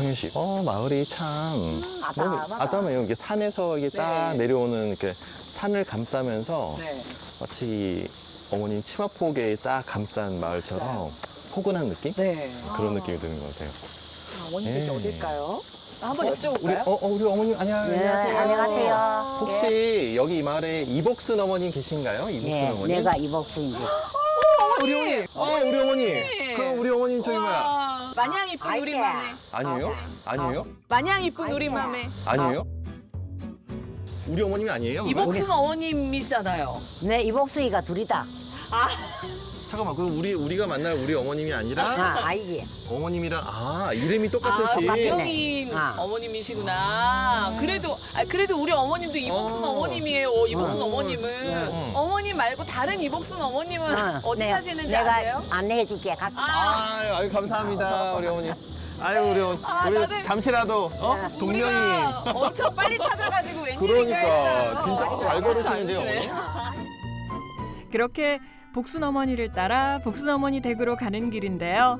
성윤 씨, 마을이 참 아담하다. 아담해요. 이게 산에서 이게 딱 네. 내려오는 이렇게 산을 감싸면서 네. 마치 어머님 치마폭에 딱 감싼 마을처럼 포근한 느낌? 네. 그런 느낌이 드는 것 같아요. 어머님 댁이 네. 어딜까요? 한번 우리, 여쭤볼까요? 우리 어머님, 네, 안녕하세요. 안녕하세요. 혹시 여기 이 마을에 이복순 어머님 계신가요? 이복순 네, 어머님? 내가 이복순이지. 우리 어머님. 우리 어머님. 그럼 우리 어머님 저기 뭐야? 와, 마냥 이쁜 아이고. 우리 맘에. 아니에요? 아니에요? 마냥 이쁜 우리 아이고야. 맘에. 아니에요? 우리 어머님이 아니에요? 그러면? 이복순 어머님이시잖아요. 내 이복순이가 둘이다. 잠깐만, 그럼 우리가 만날 우리 어머님이 아니라 아이지. 어머님이랑 이름이 똑같으시. 박경인 아. 어머님이시구나. 그래도 우리 어머님도 이복순 어머님이에요. 이복순 어머님은. 어머님 말고 다른 이복순 어머님은 어디 사시는지 내가 아세요? 안내해줄게. 같이. 아유, 감사합니다, 우리 어머님. 아유, 우리 나는- 잠시라도 동명이. 우리가 엄청 빨리 찾아가지고 웬일인가 그러니까 했어요. 진짜 잘 걸으시는데요, 않으시네. 어머니. 그렇게 복순 어머니를 따라 복순 어머니 댁으로 가는 길인데요.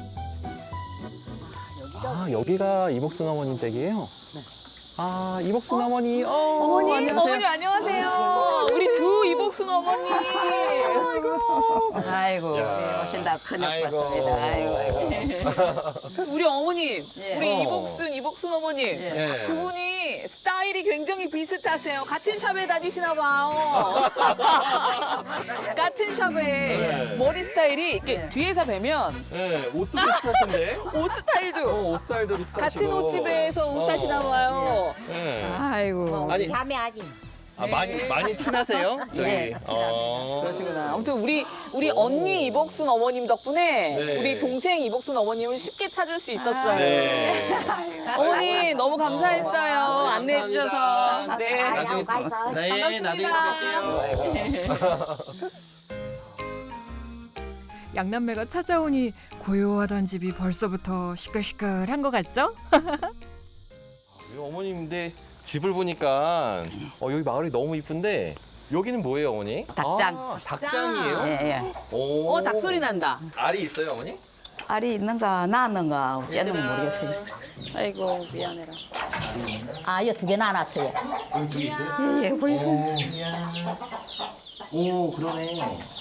여기가 이복순 어머님 댁이에요? 이복순 어머니. 어머니, 안녕하세요. 어머니 안녕하세요. 우리 두 이복순 어머니. 아이고, 야. 오신다. 큰일 아이고. 났습니다. 아이고. 우리 어머님, 우리 어. 이복순 어머님. 예. 두 분이 스타일이 굉장히 비슷하세요. 같은 샵에 다니시나 봐요. 같은 샵에 네. 머리 스타일이 이렇게 뒤에서 뵈면 네, 옷도 비슷하신데? 옷 스타일도 옷 스타일도 비슷하시고. 같은 옷집에서 옷 사시나 봐요. 네. 아이고. 아니, 자매하지. 많이 친하세요? 저희. 네, 그러시구나. 아무튼 우리 언니 이복순 어머님 덕분에 네. 우리 동생 이복순 어머님을 쉽게 찾을 수 있었어요. 네. 어머니 너무 감사했어요. 안내해 주셔서. 네. 나중에 가 있어. 네, 나중에 뵐게요. 양남매가 찾아오니 고요하던 집이 벌써부터 시끌시끌한 것 같죠? 우리 어머님인데 집을 보니까 여기 마을이 너무 이쁜데 여기는 뭐예요, 어머니? 닭장. 닭장이에요? 예, 예. 오. 닭 소리 난다. 알이 있어요, 어머니? 알이 있는가, 낳았는가, 어쩌는 모르겠어요. 아이고 미안해라. 이거 두 개 낳았어요. 여기 두 개 있어요? 예, 예, 벌써. 오, 그러네.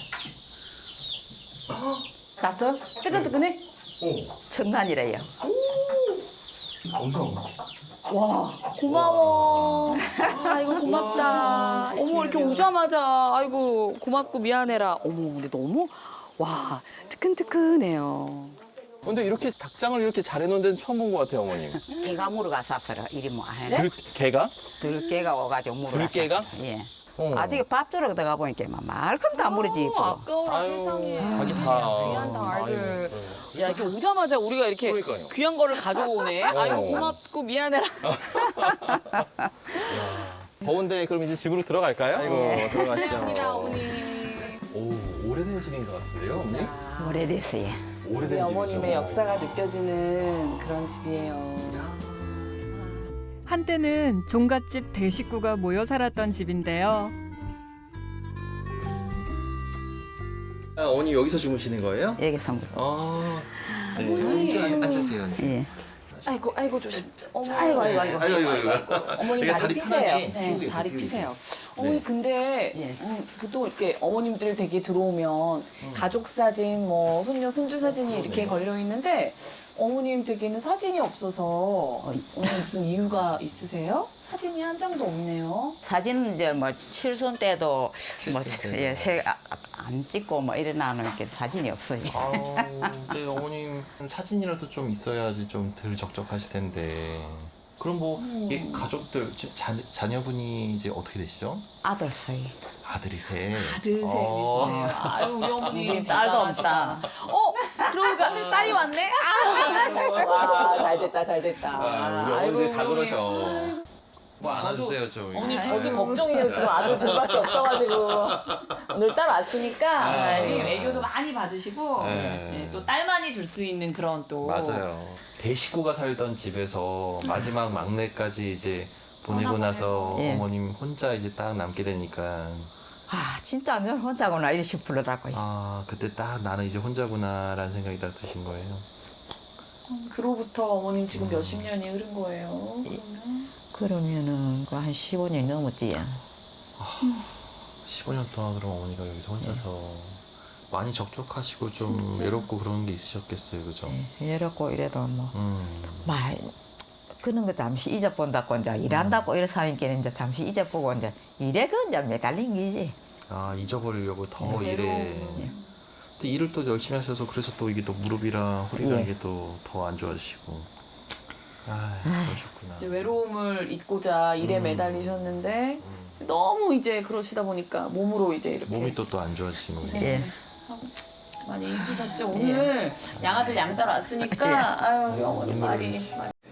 나서 뜨끈뜨끈해? 청간이래요. 엄청. 와 고마워. 아이고 고맙다. 어머 이렇게 오자마자 아이고 고맙고 미안해라. 어머 근데 너무 와 뜨끈뜨끈해요. 근데 이렇게 닭장을 이렇게 잘 해놓은 데는 처음 본 것 같아요, 어머님. 개가 물어가 샀어라. 이리 뭐. 개가? 들깨가 와가지고 물어가. 들깨가? 샀어요. 예. 어. 아직 밥 주러 들어가 보니까 막 말끔도 안 물어지 있고. 아까워라 세상에. 자기 다. 귀한 닭알들. 아이고, 야 이렇게 오자마자 우리가 이렇게 그러니까요. 귀한 거를 가져오네. 아이고 고맙고 미안해라. 더운데 그럼 이제 집으로 들어갈까요? 아이고, 감사합니다 들어가시죠. 어머니. 오, 오래된 집인 것 같은데요, 어머니? 오래됐어요. 오래된 우리 집이죠. 어머님의 역사가 느껴지는 그런 집이에요. 한때는 종갓집 대식구가 모여 살았던 집인데요. 어머니 여기서 주무시는 거예요? 여기서부터. 네, 어머니 좀 앉으세요. 예. 아이고 조심. 어머. 아이고. 어머니 이게 다리 다리 피세요. 편하게 네, 피우고 계세요, 다리 피우고 피세요. 계세요. 어머니 네. 근데 예. 보통 이렇게 어머님들 댁에 들어오면 가족 사진, 뭐 손녀 손주 사진이 이렇게 걸려 있는데 어머님 댁에는 사진이 없어서 오늘 무슨 이유가 있으세요? 사진이 한 장도 없네요. 사진은 이제 뭐 칠순 때도 뭐 칠순 때도. 예, 안 찍고 뭐 이러나는 게 사진이 없어요. 네, 어머님 사진이라도 좀 있어야지 좀 덜 적적하실 텐데. 그럼 뭐 이 가족들 지금 자녀분이 이제 어떻게 되시죠? 아들 사이. 아들이세. 아들 셋 있으세요. 아유 우리 어머니 딸도 대단하시다. 없다. 그러니까 딸이 왔네. 와 잘 됐다. 우리 어머니들 다 우리 그러셔. 뭐 안아주세요 좀. 어머니 저도 걱정이에요. 지금 아들 둘밖에 없어가지고 오늘 딸 왔으니까 애교도 많이 받으시고 네. 또 딸만이 줄 수 있는 그런 또 맞아요. 대식구가 살던 집에서 마지막 막내까지 이제 보내고 나서 예. 어머님 혼자 이제 딱 남게 되니까 진짜 완전 혼자구나 이렇게 부르더라고요. 그때 딱 나는 이제 혼자구나라는 생각이 딱 드신 거예요. 그로부터 어머님 지금 몇십 년이 흐른 거예요. 그러면은 그 한 15년이 넘었지. 15년 동안 그럼 어머니가 여기서 혼자서 많이 적적하시고 좀 외롭고 그런 게 있으셨겠어요, 그죠? 이렇고 이래도 뭐 말 그런 거 잠시 잊어본다고 이제 일한다고 이래 사니까 이제 잠시 잊어보고 이제 일에 그 이제 매달린 게지. 아, 잊어버리려고 더 일에. 또 일을 또 열심히 하셔서 그래서 또 이게 또 무릎이랑 허리가 예. 이게 또 더 안 좋아지시고. 아, 그러셨구나. 이제 외로움을 잊고자 일에 매달리셨는데 너무 이제 그러시다 보니까 몸으로 이제 이렇게 몸이 또 안 좋아지시는 거예요. 예. 많이 힘드셨죠. 오늘 양아들 양 따라 왔으니까 아유 어머니 많이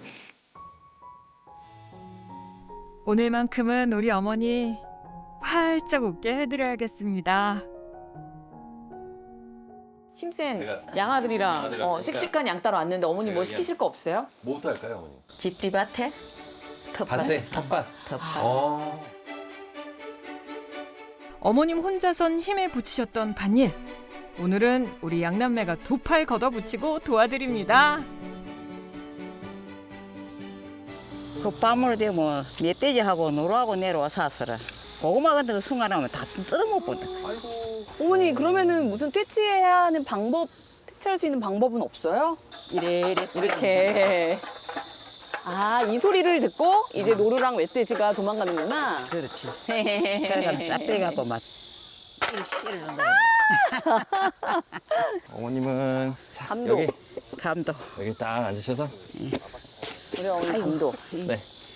오늘만큼은 우리 어머니 활짝 웃게 해드려야겠습니다. 힘센 제가 양아들이랑 양아들 왔으니까 씩씩한 양 따라 왔는데 어머니 뭐 제가 시키실 거 없어요? 뭐부터 할까요, 어머니? 집뒤밭에 텃밭. 텃밭. 텃밭. 어머님 혼자선 힘에 부치셨던 밭일. 오늘은 우리 양남매가 두 팔 걷어붙이고 도와드립니다. 그 밤을 되면 멧돼지하고 노루하고 내려와 서라. 고구마 같은 거 순간하면 다 뜯어먹거든. 어머니 그러면은 무슨 퇴치해야 하는 방법 퇴치할 수 있는 방법은 없어요? 이래 이렇게 아 이 소리를 듣고 이제 노루랑 멧돼지가 도망가는구나. 그렇지. 그래서 짭짤이 갖고 막 씨를 넣는 거야. 어머님은 감독. 감도. 여기 딱 앉으셔서 우리 어머니 감독. 네.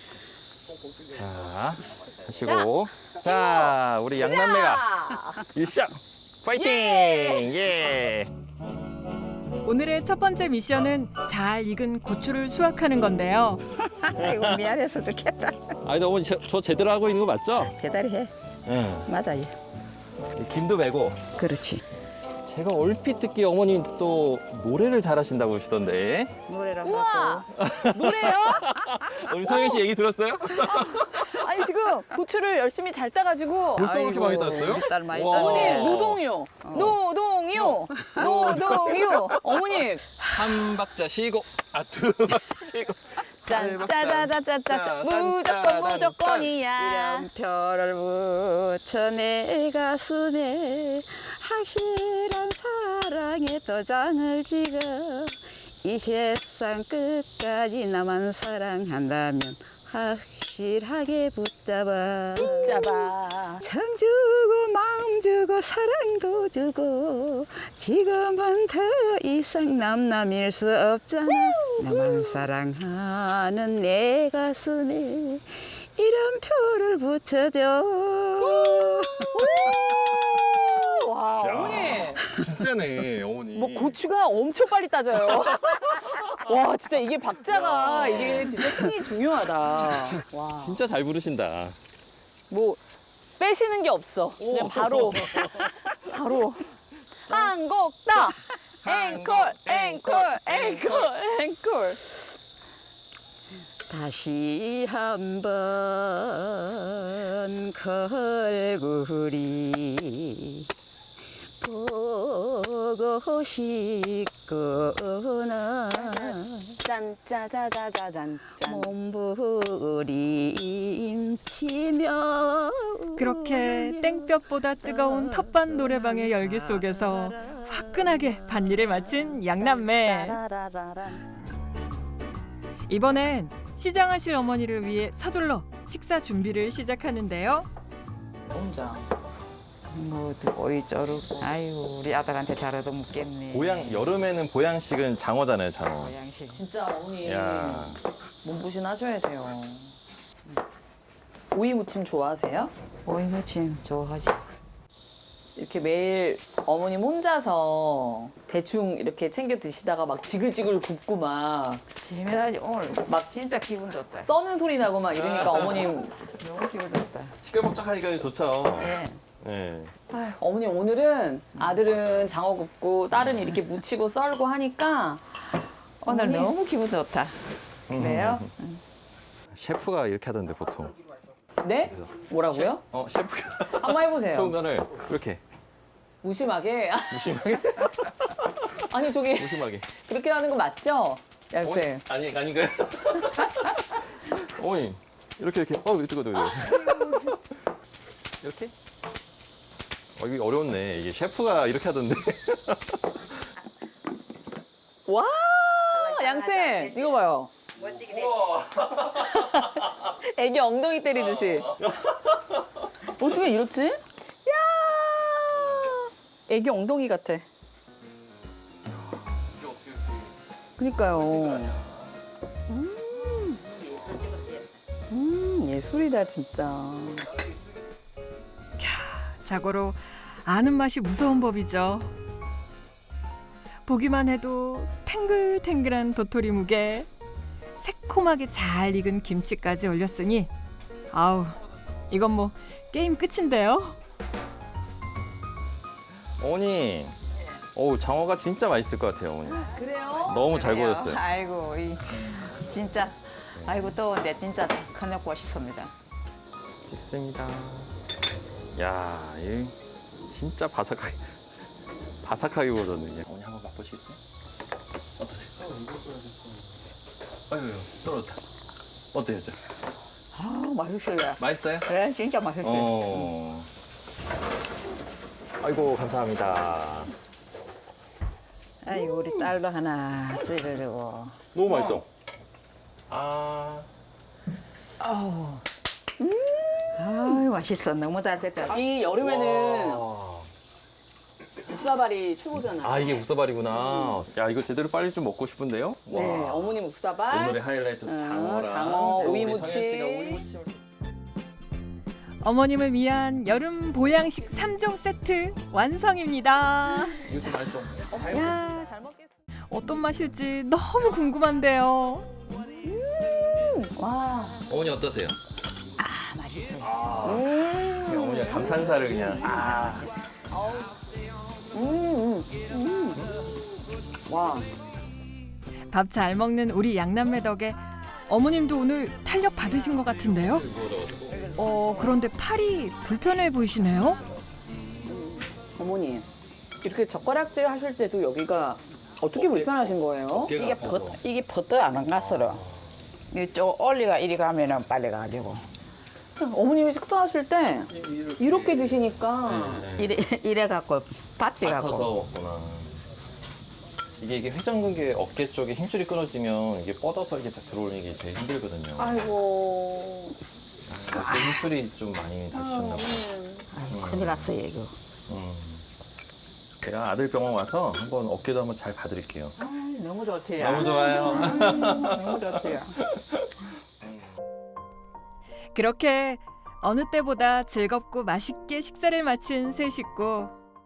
자, 하시고 자, 우리 양남매가 일상 파이팅! 예! 오늘의 첫 번째 미션은 잘 익은 고추를 수확하는 건데요. 아이고 미안해서 좋겠다. 아니, 근데 어머니 저 제대로 하고 있는 거 맞죠? 대단히 해. 응. 맞아요. 김도 메고. 그렇지. 제가 얼핏 듣기에 어머님 또 노래를 잘하신다고 그러시던데. 노래랑 우와 노래요? 우리 성현 씨 얘기 들었어요? 아니 지금 고추를 열심히 잘 따가지고 벌써 그렇게 많이 땄어요? 딸 많이 와. 어머니 따네. 노동요 노동요 노동요 어머님 한 박자 쉬고, 두 박자 쉬고. 짠짜자자자자 무조건 무조건이야 이름표를 붙여 내 가슴에 확실한 사랑의 도장을 찍어 이 세상 끝까지 나만 사랑한다면 확실하게 붙잡아 붙잡아 정 주고 마음 주고 사랑도 주고 지금은 더 이상 남남일 수 없잖아 나만 사랑하는 내 가슴에 이름표를 붙여줘 와 어머니 진짜네, 어머니. 뭐 고추가 엄청 빨리 따져요 와 진짜 이게 박자가 이게 진짜 힘이 중요하다 와 진짜 잘 부르신다. 뭐 빼시는 게 없어. 그냥 바로 바로 한 곡 더. 앵콜 앵콜 앵콜 앵콜. 다시 한번 걸그리 보고 싶구나 짠짜자자자잔 짠. 몸부림치며 그렇게 땡볕보다 뜨거운 텃밭 노래방의 열기 속에서 화끈하게 밭일을 마친 양남매. 이번엔 시장하실 어머니를 위해 서둘러 식사 준비를 시작하는데요. 혼자. 뭐도 오이 쪼르고 아유 우리 아들한테 잘 얻어먹겠네 여름에는 보양식은 장어잖아요, 장어. 보양식 진짜 어머니 야. 몸보신 하셔야 돼요. 오이 무침 좋아하세요? 오이 무침 좋아하지 이렇게 매일 어머님 혼자서 대충 이렇게 챙겨 드시다가 막 지글지글 굽고 막 재미나지 오늘 막 진짜 기분 좋다 써는 소리 나고 막 이러니까 어머님 너무 기분 좋다 시끌벅적하니까 좋죠. 네. 네. 아휴, 어머님 오늘은 아들은 장어 굽고 딸은 이렇게 무치고 썰고 하니까 오늘 어머니. 너무 기분 좋다 그래요? 셰프가 이렇게 하던데 보통. 네? 뭐라고요? 셰프가 한번 해보세요. 소금간을 이렇게 무심하게. 무심하게 아니 저기 무심하게. 그렇게 하는 거 맞죠? 양쌤. 아니 아닌가요? 어머님 이렇게 뜨거 이렇게? 이게 어려웠네. 이게 셰프가 이렇게 하던데. 와, 양쌤 이거 봐요. 우와. 애기 엉덩이 때리듯이. 어떻게 이렇지? 야, 애기 엉덩이 같아. 그니까요. 예술이다 진짜. 자고로 아는 맛이 무서운 법이죠. 보기만 해도 탱글탱글한 도토리 묵에 새콤하게 잘 익은 김치까지 올렸으니 아우 이건 뭐 게임 끝인데요. 어머니. 장어가 진짜 맛있을 것 같아요, 어머니. 그래요? 너무 잘 구워졌어요. 아이고 진짜 아이고 더운데 진짜 저녁 맛있습니다. 있습니다. 야, 이 진짜 바삭하게 구워졌네. 어머니 한번 맛보시겠어요? 어떠세요? 아이고, 떨어졌다. 어때요, 저? 아 맛있어요. 맛있어요? 그래 진짜 맛있어요. 아이고, 감사합니다. 아이고 우리 딸도 하나 주려고. 너무 맛있어. 아유 맛있어. 너무 잘 됐다. 이 여름에는 묵사발이 최고잖아요. 이게 묵사발이구나. 야, 이거 제대로 빨리 좀 먹고 싶은데요? 네, 어머니 묵사발. 오늘의 하이라이트 장어랑 장어, 우리 오이무침. 성현 씨가 오이무침. 어머님을 위한 여름 보양식 3종 세트 완성입니다. 이것도 맛있어. 야, 잘 먹겠습니다. 어떤 맛일지 너무 궁금한데요. 와. 어머니 어떠세요? 맛있어요. 그냥 어머니가 감탄사를 그냥 와. 밥 잘 먹는 우리 양남매 덕에 어머님도 오늘 탄력 받으신 것 같은데요. 그런데 팔이 불편해 보이시네요. 어머니, 이렇게 젓가락질 하실 때도 여기가 어떻게 불편하신 거예요? 이게 버터 안 갔어요. 이쪽 올리가 이리 가면은 빨리 가지고 어머님이 식사하실 때 이렇게 드시니까 이래 갖고 받치 갖고. 맞춰서 먹구나. 이게 회전근개 어깨 쪽에 힘줄이 끊어지면 이게 뻗어서 이게 딱 들어오는 게 제일 힘들거든요. 아이고. 그 힘줄이 좀 많이 다치셨나 봐요. 아이고, 큰일 났어요 이거. 제가 아들 병원 와서 한번 어깨도 한번 잘 봐드릴게요. 너무 좋지요. 너무 좋아요. 너무 좋지요. 그렇게 어느 때보다 즐겁고 맛있게 식사를 마친 세 식구.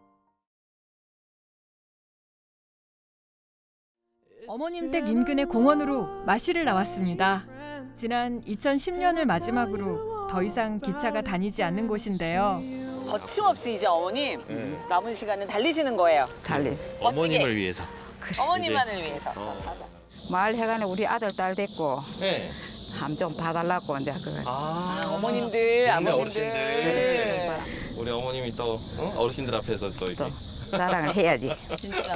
어머님 댁 인근의 공원으로 마시를 나왔습니다. 지난 2010년을 마지막으로 더 이상 기차가 다니지 않는 곳인데요. 거침없이 이제 어머님 남은 시간은 달리시는 거예요. 달리. 어머님을 위해서. 어머님만을 위해서. 마을 해관에 우리 아들 딸 됐고 네. 함 좀 봐달라고 이제 그. 어머님들, 동네 아버님들. 어르신들. 우리 어머님이 또 어르신들 앞에서 또 이렇게. 사랑을 해야지. 진짜.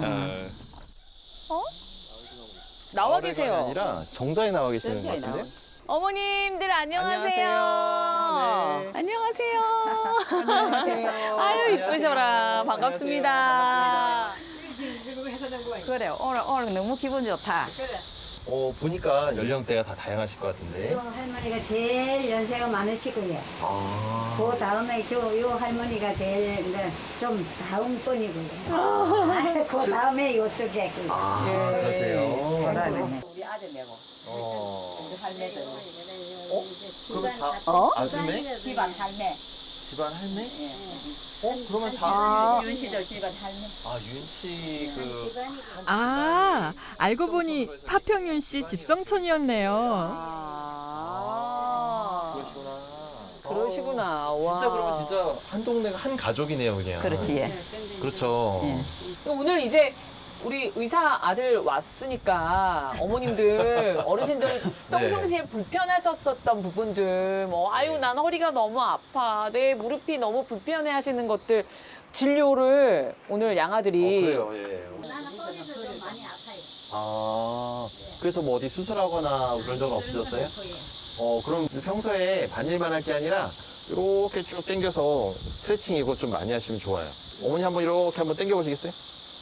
어, 나와 마을회관이 계세요. 아니라 정자에 나와 계시는 것 정자에 같은데? 어머님들 안녕하세요. 안녕하세요. 안녕하세요. 아유 이쁘셔라. 반갑습니다. 그래 오늘 너무 기분 좋다. 보니까 연령대가 다 다양하실 것 같은데. 요 할머니가 제일 연세가 많으시고요. 그 다음에 요 할머니가 제일 이제 좀 다음번이고요. 그 다음에 요쪽에 그러세요. 우리 아들 내고 할매들. 그러면 다 아줌매? 집안 할매. 집안 할매? 그러면 다. 윤씨들 집안 할매. 윤씨 알고 보니 파평윤 씨 집성촌이었네요. 그러시구나. 와. 진짜 그러면 진짜 한 동네가 한 가족이네요, 그냥. 그렇지. 예. 그렇죠. 오늘 이제 우리 의사 아들 왔으니까 어머님들 어르신들 평상시에 불편하셨었던 부분들 뭐 아유 난 허리가 너무 아파 내 무릎이 너무 불편해 하시는 것들 진료를 오늘 양아들이 그래요, 예. 나는 허리도 좀 많이 아파요. 그래서 뭐 어디 수술하거나 그런 적은 없으셨어요? 그럼 평소에 반일만 할 게 아니라 이렇게 쭉 당겨서 스트레칭 이거 좀 많이 하시면 좋아요. 어머니 한번 이렇게 한번 당겨 보시겠어요?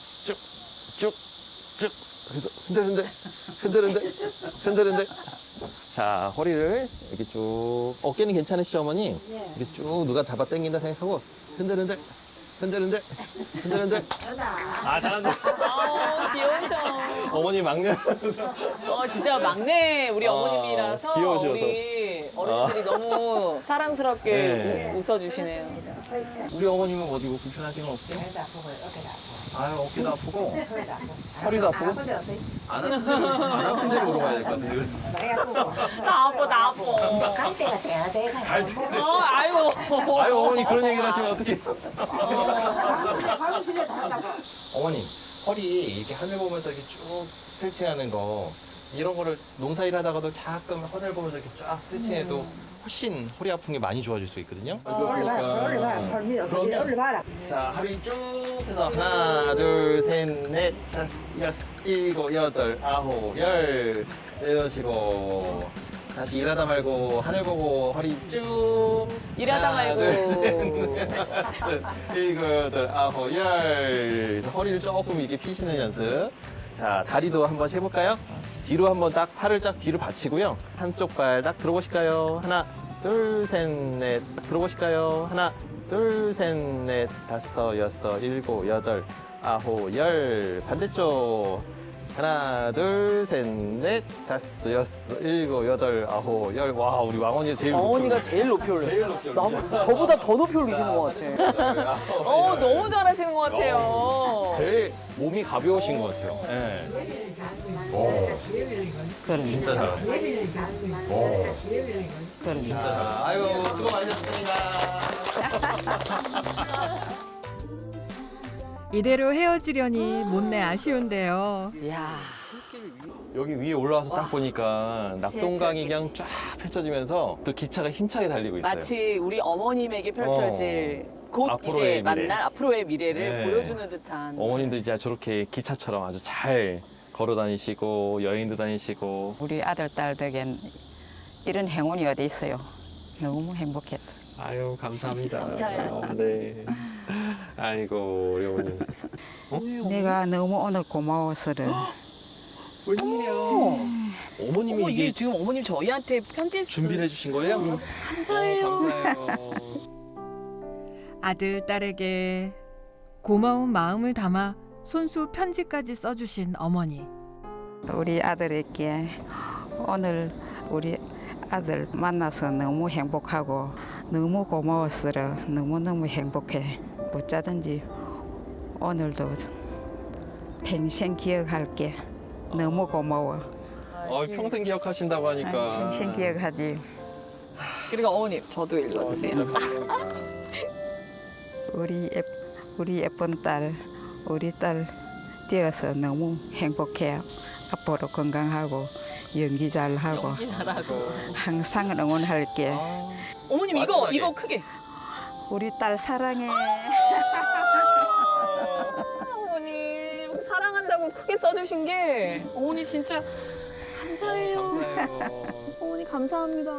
쭉. 그래서 흔들. 자, 허리를 이렇게 쭉. 어깨는 괜찮으시죠, 어머니? 이렇게 쭉 누가 잡아 당긴다 생각하고 흔들. 아, 잘한다. 귀여우셔. 어머니 막내. 진짜 막내 우리 어머님이라서 귀여우셔서. 우리 어른들이 너무 사랑스럽게 네. 웃어주시네요. 우리 어머님은 어디 뭐 불편하신 건 없어요? 아유, 어깨도 아프고, 허리도 아프고. 안 아픈 데로 물어봐야 될 것 같은데. 나 아파. 갈 때가 돼야 돼. 아이고. 아유, 어머니 그런 얘기를 하시면 어떡해. 어머님, 허리 이렇게 하늘 보면서 이렇게 쭉 스트레칭 하는 거, 이런 거를 농사일 하다가도 가끔 하늘 보면서 이렇게 쫙 스트레칭 해도 훨씬 허리 아픈 게 많이 좋아질 수 있거든요. 그러면 자, 허리 쭉 해서 하나, 둘, 셋, 넷, 다섯, 여섯, 일곱, 여덟, 아홉, 열 이러시고 다시 일하다 말고 하늘 보고 허리 쭉 일하다 하나, 말고. 둘, 셋, 넷, 다섯, 일곱, 여덟, 아홉, 열 그래서 허리를 조금 이렇게 피시는 연습. 자, 다리도 한번 해볼까요? 뒤로 한번 딱 팔을 쫙 뒤로 받치고요. 한쪽 발 딱 들어보실까요? 하나, 둘, 셋, 넷. 들어보실까요? 하나, 둘, 셋, 넷, 다섯, 여섯, 일곱, 여덟, 아홉, 열. 반대쪽. 하나, 둘, 셋, 넷, 다섯, 여섯, 일곱, 여덟, 아홉, 열. 와, 우리 왕언니가 제일 어머니가 제일 높이 올려요. 저보다 더 높이 올리시는 것 같아요. 너무 잘하시는 것 같아요. 제일 몸이 가벼우신 것 같아요. 네. 그럼 진짜 잘하네. 그럼 진짜 잘. 아이고, 수고 많으셨습니다. 이대로 헤어지려니 못내 아쉬운데요. 이야. 여기 위에 올라와서 딱 보니까 낙동강이 그냥 쫙 펼쳐지면서 또 기차가 힘차게 달리고 있어요. 마치 우리 어머님에게 펼쳐질 곧 앞으로의 이제 만날 미래. 앞으로의 미래를 네. 보여주는 듯한. 어머님도 이제 저렇게 기차처럼 아주 잘 걸어 다니시고 여행도 다니시고 우리 아들 딸 덕엔 이런 행운이 어디 있어요. 너무 행복했다. 아유 감사합니다. 감사해요. 네. 아이고 우리 어머님. 내가 너무 오늘 고마워서 웬일이야? 어머님이 어머, 이게 이게 지금 어머님 저희한테 편지 준비를 해주신 거예요? 감사해요. 감사해요. 아들, 딸에게 고마운 마음을 담아 손수 편지까지 써주신 어머니. 우리 아들에게 오늘 우리 아들 만나서 너무 행복하고 너무 고마워서 너무너무 행복해. 어쩌든지 오늘도 평생 기억할게. 너무 고마워. 평생 기억하신다고 하니까. 평생 기억하지. 그리고 어머님 저도 읽어주세요. 우리 예쁜 딸, 우리 딸 되어서 너무 행복해. 앞으로 건강하고 연기 잘하고 잘하고. 항상 응원할게. 어머님 마지막에. 이거 크게. 우리 딸 사랑해. 어머님 사랑한다고 크게 써주신 게 어머니 진짜 감사해요. 감사해요. 어머니 감사합니다.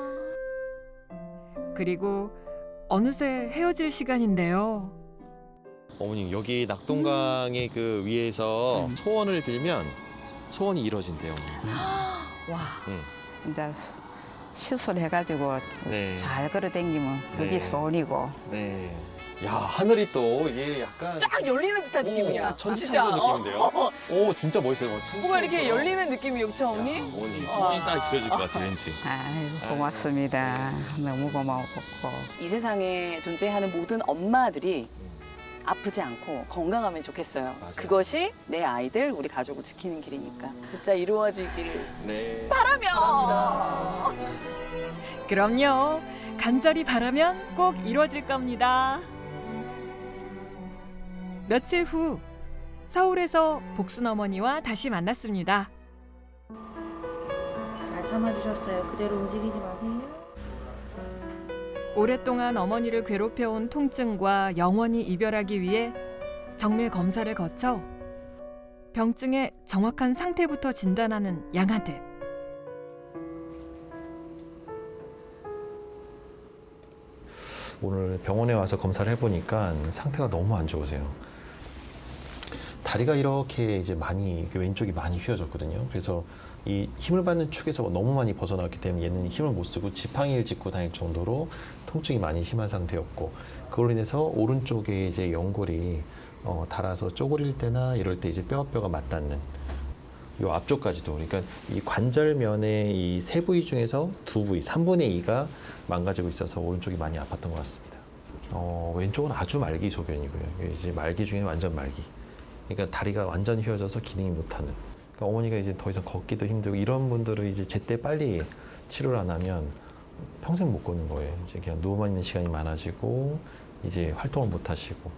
그리고 어느새 헤어질 시간인데요. 어머님 여기 낙동강의 그 위에서 소원을 빌면 소원이 이루어진대요. 어머님. 와. 이제 시술해가지고 네. 잘 걸어다니면 그게 네. 소원이고. 네. 야 하늘이 또 이게 약간 쫙 열리는 듯한 느낌이야. 천지창조 느낌인데요. 오 진짜 멋있어요. 뭐가 이렇게 열리는 느낌이 없죠, 어머니? 어머니 소원이 딱 이루어질 것 같아 왠지. 아이고 고맙습니다. 너무 고마웠고. 이 세상에 존재하는 모든 엄마들이 아프지 않고 건강하면 좋겠어요. 맞아요. 그것이 내 아이들, 우리 가족을 지키는 길이니까 진짜 이루어지길 네. 바라며. 그럼요. 간절히 바라면 꼭 이루어질 겁니다. 며칠 후 서울에서 복순 어머니와 다시 만났습니다. 잘 참아주셨어요. 그대로 움직이지 마세요. 오랫동안 어머니를 괴롭혀온 통증과 영원히 이별하기 위해 정밀 검사를 거쳐 병증의 정확한 상태부터 진단하는 양아들. 오늘 병원에 와서 검사를 해보니까 상태가 너무 안 좋으세요. 다리가 이렇게 이제 많이 왼쪽이 많이 휘어졌거든요. 그래서 이 힘을 받는 축에서 너무 많이 벗어났기 때문에 얘는 힘을 못 쓰고 지팡이를 짚고 다닐 정도로 통증이 많이 심한 상태였고, 그걸로 인해서 오른쪽에 이제 연골이 닳아서 쪼그릴 때나 이럴 때 이제 뼈가 맞닿는 요 앞쪽까지도, 그러니까 이 관절면의 이 세 부위 중에서 두 부위, 3분의 2가 망가지고 있어서 오른쪽이 많이 아팠던 것 같습니다. 왼쪽은 아주 말기 소견이고요. 이제 말기 중에 완전 말기. 그러니까 다리가 완전 휘어져서 기능이 못하는. 그러니까 어머니가 이제 더 이상 걷기도 힘들고 이런 분들은 이제 제때 빨리 치료를 안 하면 평생 못 걷는 거예요. 이제 그냥 누워만 있는 시간이 많아지고 이제 활동을 못 하시고.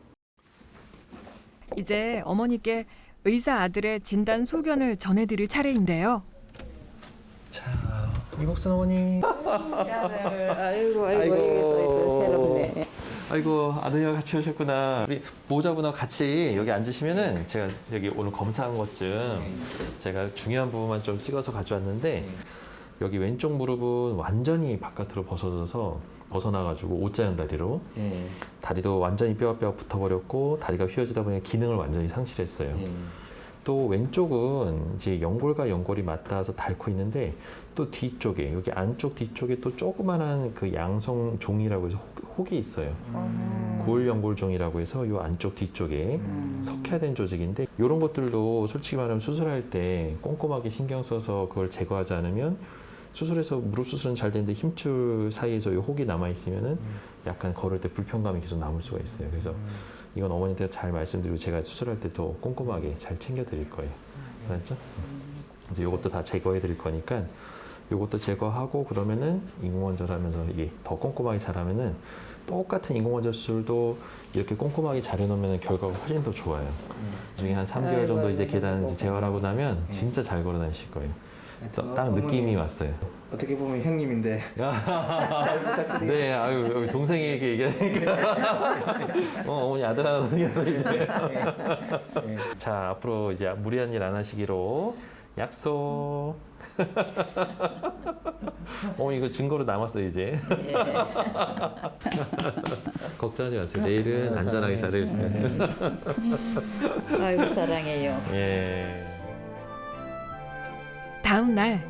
이제 어머니께 의사 아들의 진단 소견을 전해드릴 차례인데요. 자, 이복순 어머니. 아이고 아이고. 새롭네. 아이고, 아드님과 같이 오셨구나. 우리 보호자분하고 같이 여기 앉으시면은 제가 여기 오늘 검사한 것 좀 제가 중요한 부분만 좀 찍어서 가져왔는데, 여기 왼쪽 무릎은 완전히 바깥으로 벗어나가지고 옷자형 다리로 다리도 완전히 뼈가 붙어버렸고 다리가 휘어지다 보니 기능을 완전히 상실했어요. 또 왼쪽은 이제 연골과 연골이 맞닿아서 닳고 있는데, 또 뒤쪽에 여기 안쪽 뒤쪽에 또 조그만한 그 양성 종이라고 해서 혹이 있어요. 고울연골종이라고 해서 이 안쪽 뒤쪽에 석회화된 조직인데, 이런 것들도 솔직히 말하면 수술할 때 꼼꼼하게 신경 써서 그걸 제거하지 않으면 수술해서 무릎 수술은 잘 되는데 힘줄 사이에서 이 혹이 남아 있으면은 약간 걸을 때 불편감이 계속 남을 수가 있어요. 그래서 이건 어머니한테 잘 말씀드리고 제가 수술할 때 더 꼼꼼하게 잘 챙겨드릴 거예요. 알았죠? 그래서 이것도 다 제거해 드릴 거니까 이것도 제거하고, 그러면은 인공관절 하면서 이게 더 꼼꼼하게 잘하면은 똑같은 인공관절 수술도 이렇게 꼼꼼하게 잘 해놓으면 결과가 훨씬 더 좋아요. 나중에 한 3개월 정도 이제 계단 재활하고 나면 진짜 잘 걸어 다니실 거예요. 딱 느낌이 왔어요. 어떻게 보면 형님인데. 네, 아유, 여기 동생에게 얘기하니까. 어머니 아들 하나 생겨서 이제. 자, 앞으로 이제 무리한 일 안 하시기로 약속. 이거 증거로 남았어요, 이제. 걱정하지 마세요. 내일은 안전하게 잘해주세요. 아이고 사랑해요. 예. 다음 날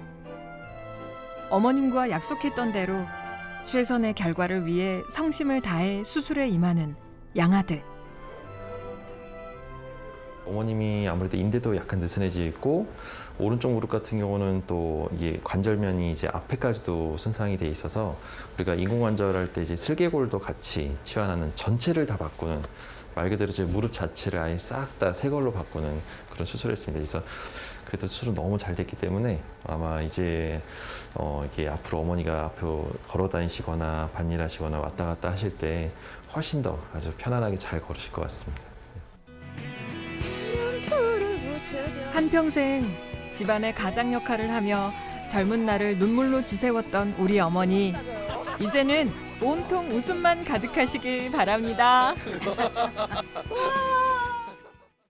어머님과 약속했던 대로 최선의 결과를 위해 성심을 다해 수술에 임하는 양아들. 어머님이 아무래도 인대도 약간 느슨해져 있고, 오른쪽 무릎 같은 경우는 또 이게 관절면이 이제 앞에까지도 손상이 돼 있어서 우리가 인공관절 할 때 이제 슬개골도 같이 치환하는, 전체를 다 바꾸는, 말 그대로 이제 무릎 자체를 아예 싹 다 새 걸로 바꾸는 그런 수술을 했습니다. 그래서 그래도 수술은 너무 잘 됐기 때문에 아마 이제 이게 앞으로 어머니가 앞으로 걸어 다니시거나 밭일하시거나 왔다 갔다 하실 때 훨씬 더 아주 편안하게 잘 걸으실 것 같습니다. 한평생 집안의 가장 역할을 하며 젊은 날을 눈물로 지새웠던 우리 어머니. 이제는 온통 웃음만 가득하시길 바랍니다. 와